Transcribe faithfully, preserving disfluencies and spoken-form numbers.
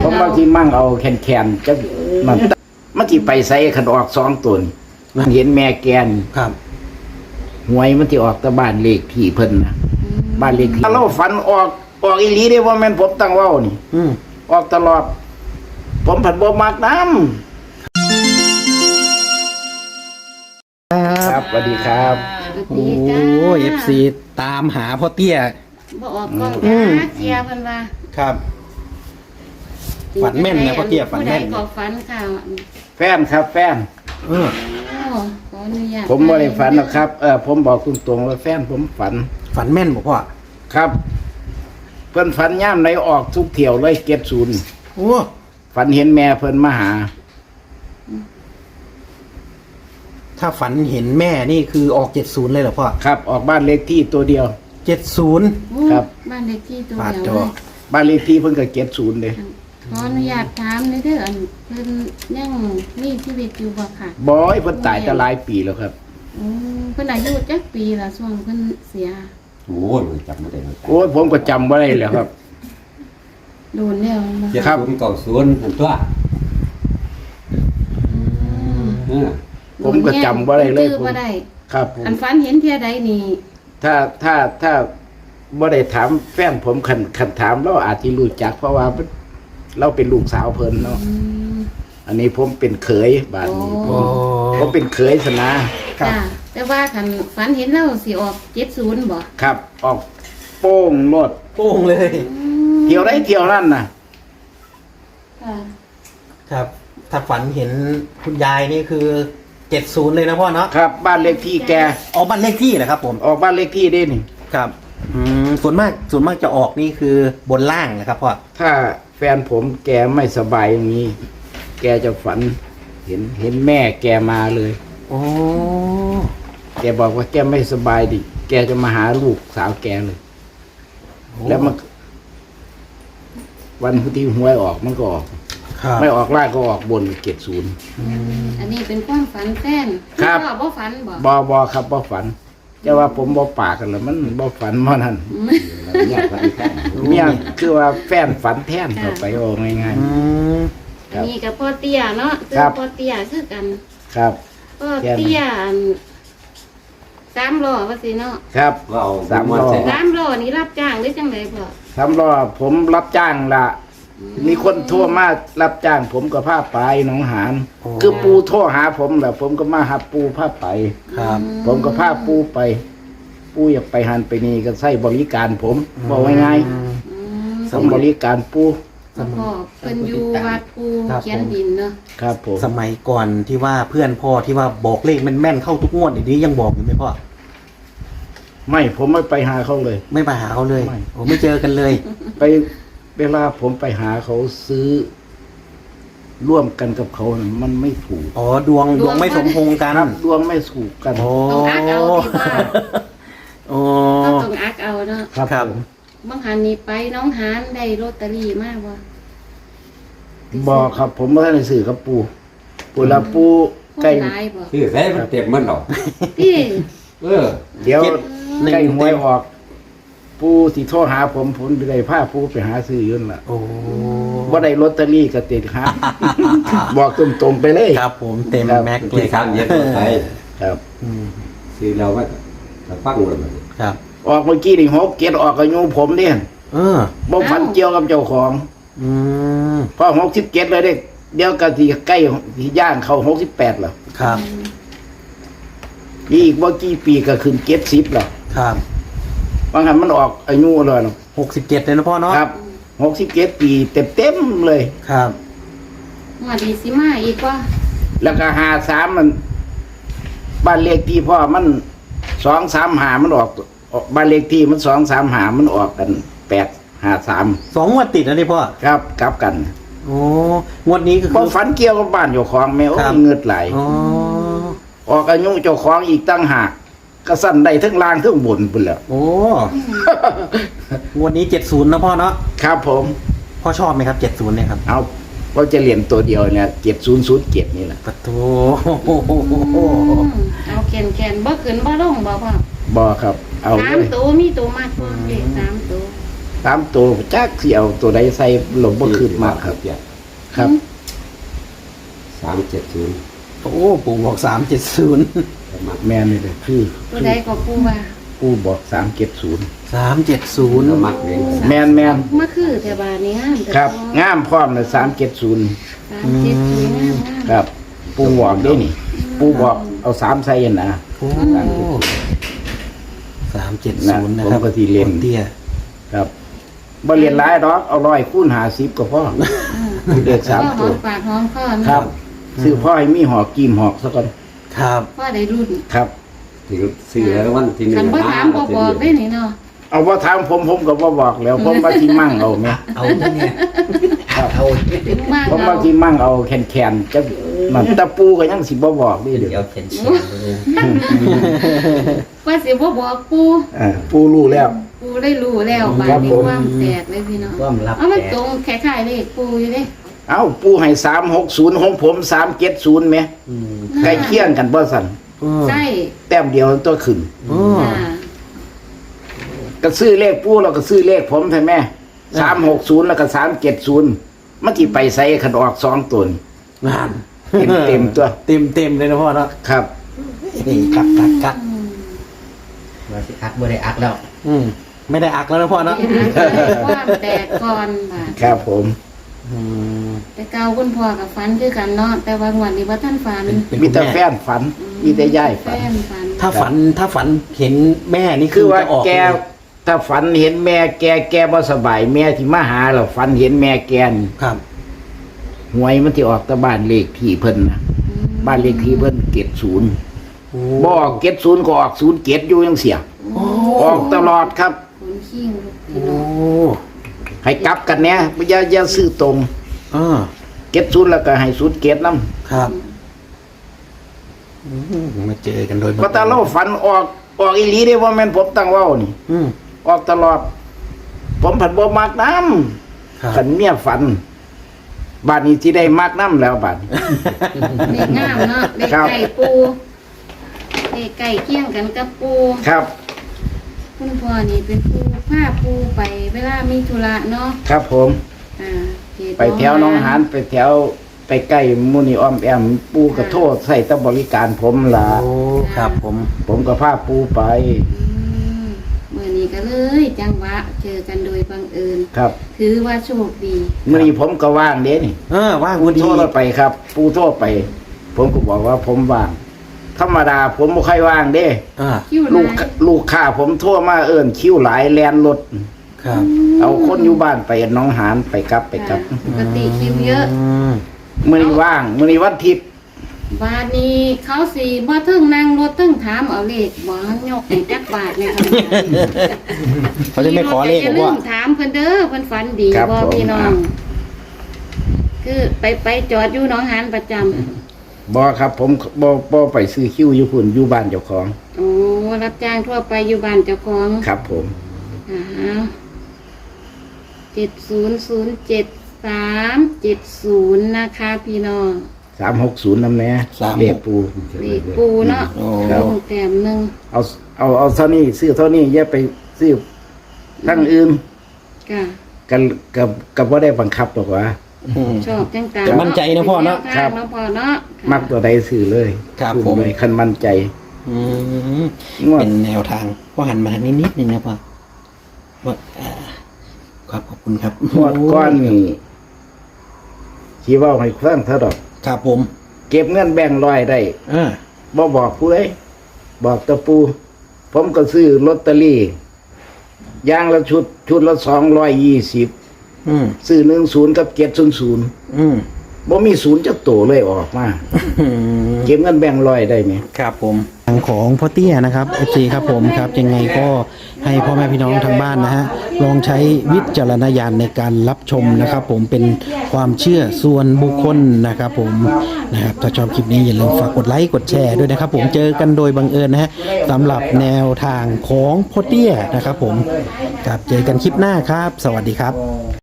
ผมบางทีมั่งเอาแขนๆจะมันมันที่ไปใส่ขันออกสองตัวมันเห็นแม่แกนครับหวยมันที่ออกตะบ้านเลขที่เพิ่นนะบ้านเลขที่เราฝันออกออกอีหลีได้ว่าแม่นผมตั้งเว้านี่ออกตลอดผมผัดบ่มักน้ำครับสวัสดีครับโอ้เอฟซีตามหาพ่อเตี้ยบ่ออกกล้องหาเจียเพิ่นว่าครับฝันแม่นนะพ่อเตี้ยฝันแม่นก็ฝันค่ะแฟนครับแฟนเออขออนุญาตผมบ่ได้ฝันหรอกครับเออผมบอกตรงๆว่าแฟนผมฝันฝันแม่นบ่พ่อครับเพิ่นฝันย่ามไหนออกทุกเที่ยวเลยเก็บศูนย์โอ้ฝันเห็นแม่เพิ่นมาหาถ้าฝันเห็นแม่นี่คือออกเจ็ดศูนย์เลยเหรอพ่อครับออกบ้านเลขที่ตัวเดียวเจ็ดศูนย์ครับบ้านเลขที่ตัวเดียวบ้านเลขที่เพิ่นก็เก็บศูนย์เลยขออนุญาตถามในเด้ออันเพิ่นยังมีชีวิตอยู่บ่ค่ะบ่อยเพิ่นตายจะหลายปีแล้วครับอือเพิ่นอายุจักปีล่ะช่วงเพิ่นเสียโอ้ยจำไม่ได้โอ้ยผมก็จำบ่ได้แล้วครับโดนแล้วครับศูนย์เก้าศูนย์อันตัวผมก็จำบ่ได้เลยผมครับอันฝันเห็นเที่ยใดนี่ถ้าถ้าถ้าบ่ได้ถามแฟนผมคันคันถามเราอาจจะรู้จักเพราะว่าเราเป็นลูกสาวเพิ่นเนาะอันนี้ผมเป็นเขยบ้านนี้ผมผมเป็นเขยสนะจ้าแต่ว่าคันฝันเห็นเราสิออกเจ็ดศูนย์บ่ครับออกโป้งโลดโป้งเลยเที่ยวได้เที่ยวนั่นน่ะค่ะครับถ้าฝันเห็นคุณยายนี่คือเจ็ดศูนย์เลยนะพ่อเนาะครับบ้านเลขที่แกออกบ้านเลขที่เหรอครับผมออกบ้านเลขที่ได้นี่ครับอืมส่วนมากส่วนมากจะออกนี่คือบนล่างนะครับพ่อถ้าแฟนผมแกไม่สบายอย่างนี้แกจะฝันเห็นเห็นแม่แกมาเลยโอ้แกบอกว่าแกไม่สบายดิแกจะมาหาลูกสาวแกเลยแล้วมันวันที่หวยออกมันก็ออกไม่ออกล่างก็ออกบนเจ็ดศูนย์อันนี้เป็นความฝันแฟนครับบ่ฝันบ่บ่บ่ครับบ่ฝันจะว่าผมบ่ปากกันเลยมันบ่ฝันมันนั่นเมียคือว่าแฟนฝันแทนต่อไปโอ้ง่ายๆอันนี้กับพ่อเตี้ยเนาะคือพ่อเตี้ยคือกันครับพ่อเตี้ยสามล้อว่าสิเนาะครับสามล้อสามล้อนี่รับจ้างหรือจังไดพ่อสามล้อผมรับจ้างละมีคนโทรมารับจ้างผมก็พาไปหนองหานคือปูโทรหาผมแหละผมก็มาหาปูพาไปครับผมก็พาปูไปปูอยากไปหันไปนี่ก็ใช้บริการผมบอกง่ายๆผมบริการปูพ่อเป็นอยู่วัดปูเขียนดินเนาะครับผมสมัยก่อนที่ว่าเพื่อนพ่อที่ว่าบอกเลขแม่นๆเข้าทุกงวดอย่างนี้ยังบอกอยู่ไหมพ่อไม่ผมไม่ไปหาเขาเลยไม่ไปหาเขาเลยโอ้ไม่เจอกันเลยไปเวลาผมไปหาเขาซื้อร่วมกันกับเขานะมันไม่ถูกอ๋อดวงดวงไม่สมพงษ์กันดวงไม่ถูกกันโอ้ต้องอักเอาที่ว่าโอ้ต้องอักเอาเนาะครับครับบางหันนี่ไปน้องหานได้ลอตเตอรี่มากบ่บอกครับผมไม่ได้ซื้อกับปูปูละปูใกล้ชื่อแท้มันเต็มมันหรอพี่เออเดี๋ยวใกล้หวยออกปูสิโทรหาผมผมไปได้ผ้าปูไปหาซื้อยืนล่ะโอ้ว่าได้ลอตเตอรี่ก็ติดครับบอกตรงๆไปเลยครับผมเต็มแม็กเลยครับเย็นไปครับซื้อเราว่าฟังเลยครับออกเมื่อกี้นี่หกเกียรออกกับโยมผมเนี่ยเออบ่ฝันเกี่ยวกับเจ้าของอืมพอหกสิบเกียรเลยเด็กเดี๋ยวก็ที่ใกล้ที่ย่างเข้าหกสิบแปดแล้วครับอีกบ่กี่ปีก็ขึ้นเจ็ดสิบแล้วครับบางครั้งมันออกอายุเลยหกสิบเจ็ดเลยนะพ่อเนาะครับหกสิบเจ็ดปีเต็มเต็มเลยครับมาดีสิมาอีกว่าแล้วก็หาสามมันบ้านเลขที่พ่อมันสองสามหามันออกบ้านเลขที่มันสองสามหามันออกกันแปดหาสามสองงวดติดนะนี่พ่อครับกลับกันโอ้งวดนี้คือพอฝันเกี่ยวกับบ้านเจ้าของแม่โอ้เงือดไหลออกอายุเจ้าของอีกตั้งหากก็สั่นได้ทั้งล่างทั้งบนไปแล้วโอ้งวดนี้เจ็ดศูนย์นะพ่อเนาะครับผมพ่อชอบไหมครับเจ็ดศูนย์เนี่ยครับเอาเราจะเรียนตัวเดียวเนี่ยเจ็ดศูนย์ศูนย์เจ็ดนี่แหละปะโถเอาแขนแขนบ่ขึ้นบ่ลงบ่พ่อบ่ครับเอาสามตัวมีตัวมากกว่าเลขสามตัวสามตัวจักสิเอาตัวใดใส่หลบบ่ขึ้นมากครับ ครับสามเจ็ดศูนย์โอ้ปู่บอกสามเจ็ดศูนย์มักแม่นี่เลยคือผู้ใดก็ปูว่าผู้บอกสามเจ็ดศูนย์สามเจ็ดศูนย์ก็มักเองแม่นแม่นมาคือแต่บาดนี้งามแต่ครับพองามพร้อมเลยสามเจ็ดศูนย์สามเจ็ดศูนย์งามงามครับ ปูบอกได้นี่ ปูบอกเอาสามใส่นะโอ้สามเจ็ดศูนย์นะครับผมก็สิเล่นเตี้ยครับบ่เรียนหลายดอกเอาร้อยคูณห้าสิบก็พอเด็กสามก็หตัอวมปากหอมคอเนาะครับซื้อพ่อให้มีหอกกีมหอกซะก่อนครับพ่อได้รุ่นครับที่ซื้อแล้ววันที่หนึ่งคันบ่ถามบ่บอกได้นี่เนาะเอาว่าถามผมผมก็บ่บอกแล้วผมว่าที่มั่งเอาแม่เอาเนี่ยครับเอาถึงมากผมเราว่าที่มั่งเอาแคนๆจักมันตะปูก็ยังสิบ่บอกนี่เด้อเดี๋ยวเขียนเขียนเลยว่าสิบ่บอกปูอ่าปูรู้แล้วปูได้รู้แล้วบาครัดบนี้ผมความแตกเลยพี่น้องความลับเอามันแตตกรงคล้ายๆเลขปูอยู่เด้เอ้าปูให้สามหกศูนย์ของผมสามเจ็ดศูนย์แหมอืมใกล้เคียงกันบ่สั่นใช่แต้มเดียวตัวขึ้นอืมจ้าก็ซื้อเลขปูแล้วก็ซื้อเลขผมใช่ไหมสามหกศูนย์แล้วก็สามเจ็ดศูนย์มันที่ไปใส่ขันออกสองตัวนี่งานเต็มเต็มๆตัวเต็มเต็มเลยนะพ่อเนาะครับนี่กักกักกักอืมว่าสิอักบ่ได้อักแล้วอืมไม่ได้อักแล้วนะพ่อเนาะความแตกก่อนบาดครับผมอืมแต่เก่าคุณพ่อกับฝันคือกันเนาะแต่ว่างวันนี้ว่าท่านฝันเป็นมีคุณแต่ม่แฟนฝัน มีแต่ย่ายแฟฝันนฝันถ้าฝันถ้าฝันเห็นแม่นี่คืคือ อว่าจะออกแกเลยถ้าฝันเห็นแม่แกแกบ่สบายแม่ที่มาหาเราฝันเห็นแม่แกนครับหวยมันที่ออกแต่บ้านเลขที่เพิ่นนะบ้านเลขที่เพิ่นเจ็ดศูนย์โอ้บออกเจ็ดศูนย์ก็ออกศูนย์เจ็ดอยู่ยังเสียโอ้ออกตลอดครับคนขี้งลูกพี่โอ้น้องให้กลับกันเนี่ยอย่าอย่าซื้อตรงอ่าเจ็ดศูนย์แล้วก็ให้ศูนย์เจ็ดนำครับอืมมาเจอกันโดยบังก็เอิญตาเราฝันออกออกอีหลีได้ว่าแม่นผมตั้งเว้านี่อืมออกตลอด ผมผัดบ่มักน้ครับำกันเมียฝันบาดนี้ที่ได้มักน้ำแล้วบาดนี้เด็กงามเนาะเด็กครับไก่ปูเด็กไก่เคี่ยงกันกับปูครับคุณพ่อนี่เป็นปูผ้าปูไปเวลามีธุระเนาะครับผมอ่าเขตไปแถวหน้องหานไปแถวไปใกล้มุนีอ้อมแอมปูกระโทษใส่ตบริการผมล่ะโอ้ครับผมผมก็พาปูไปอืมมื่อนี้ก็เลยจังหวะเจอกันโดยบังเอิญครับถือว่าโชคดีมื่อนี้ผมก็ว่างเด้นี่เออว่างปูพอดีโทษไปครับ ปูโทษไป ผมก็บอกว่าผมว่าง ธรรมดาผมไม่ค่อยว่างเด้อ่าคิวลูกร้ายลูกค้าผมโทั่วมาเอิ้นคิ้วหลายแลนรถครับเอาคนอยู่บ้านไปหน้องหานไปกลับไปกลับค่ะปกติคิวเยอะมมื่อนี้ว่างมื่อนี้วันอาทิตย์บาทนี้เขาสีบ่เทิงนั่งรถเทิงถามเอาเลขบ่ยกให้จักบาทเลยครับเขาจะไม่ขอเลขอย่าบอกลืว่ามถามเพิ่นเด้อเพิ่นฝันดีครับบ่ผมพี่น้อง คือไปไปจอดอยู่หนองหานประจำบอครับ ผมบอบอไปซื้อคิ้วอยู่พุ่นอยู่บ้านเจ้าของโอ้รับจ้างทั่วไปอยู่บ้านเจ้าของครับผมอ่าเจ็ดศูนย์ศูนย์เจ็ดสามเจ็ดศูนย์นะคะพี่น้องสามหกศูนย์น้ำแน่เลขปูเลขปูเนาะโอ้ครับลงแต้มหนึ่งเอาเอาเอาเท่านี้ซื้อเท่านี้อย่าไปซื้อทั้งอื่นค่ะกันกับกับว่าได้บังคับหรอกว่าอืมชอบจังตามมั่นใจนะพ่อเนาะครับเนาะพ่อเนาะมักตัวใดซื้อเลยครับซื้อผมเลยคันมั่นใจอืมงวดเป็นแนวทางพ่อหันมาทางนี้นิดนึงนะพ่อว่าอ่าครับขอบคุณครับงวดก้อนนี่ชี้ว่าให้เครื่องเท่าดอกครับผมเก็บเงินแบ่งร้อยได้อ่าบ่บอกผู้ใดบอกตะปู ผมก็ซื้อลอตเตอรี่อย่างละชุด ชุดละสองร้อยยี่สิบอืมซื้อหนึ่งศูนย์กับเจ็ดศูนย์ศูนย์อืมบ่มีศูนย์จักโตเลยออกมาอืมเก็บเงินแบ่งร้อยได้ไหมครับผมทางของพ่อเตี้ยนะครับ เอฟ ซี ครับผมครับยังไงก็ให้พ่อแม่พี่น้องทางบ้านนะฮะลองใช้วิจารณญาณในการรับชมนะครับ ผมเป็นความเชื่อส่วนบุคคลนะครับผมนะครับถ้าชอบคลิปนี้อย่าลืมฝากกดไลค์กดแชร์ด้วยนะครับ ผมเจอกันโดยบังเอิญนะฮะสำหรับแนวทางของพ่อเตี้ยนะครับ ผมครับเจอกันคลิปหน้าครับ สวัสดีครับ